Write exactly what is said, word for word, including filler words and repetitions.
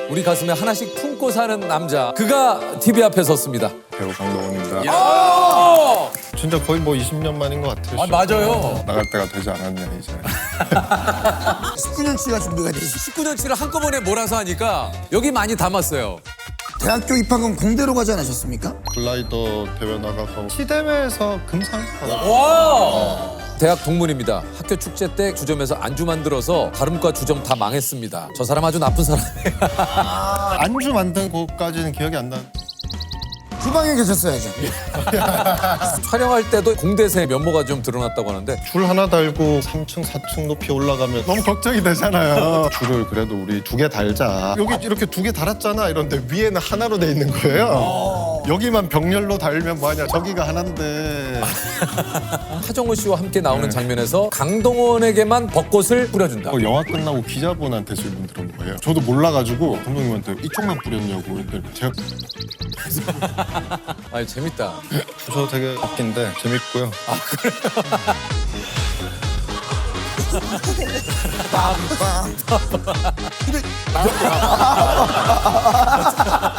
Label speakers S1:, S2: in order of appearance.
S1: 우리 가슴에 하나씩 품고 사는 남자. 그가 티비 앞에 섰습니다.
S2: 배우 강동원입니다.
S1: 오!
S2: 진짜 거의 뭐 이십 년 만인 것 같아요.
S1: 아, 맞아요.
S2: 나갈 때가 되지 않았냐 이제.
S3: 십구 년치가 준비가 되지.
S1: 십구 년치를 한꺼번에 몰아서 하니까 여기 많이 담았어요.
S3: 대학교 입학은 공대로 가지 않으셨습니까?
S2: 글라이더 대회 나가서 시대회에서 금상 받았어요.
S1: 와! 대학 동문입니다. 학교 축제 때 주점에서 안주 만들어서 다름과 주점 다 망했습니다. 저 사람 아주 나쁜 사람이에요.
S2: 안주 만든 곳까지는 기억이 안 나.
S3: 주방에 계셨어야죠.
S1: 촬영할 때도 공대생 면모가 좀 드러났다고 하는데
S2: 줄 하나 달고 삼 층, 사 층 높이 올라가면 너무 걱정이 되잖아요. 줄을 그래도 우리 두 개 달자. 여기 이렇게 두 개 달았잖아 이런데 위에는 하나로 돼 있는 거예요. 여기만 병렬로 달면 뭐하냐. 저기가 하나인데.
S1: 하정우 씨와 함께 나오는 장면에서 강동원에게만 벚꽃을 뿌려준다.
S2: 어, 영화 끝나고 기자분한테 질문 들은 거예요. 저도 몰라가지고 감독님한테 이쪽만 뿌렸냐고 했더니 제가
S1: 아, 재밌다.
S2: 저 되게 웃긴데 재밌고요.
S3: 빰빰.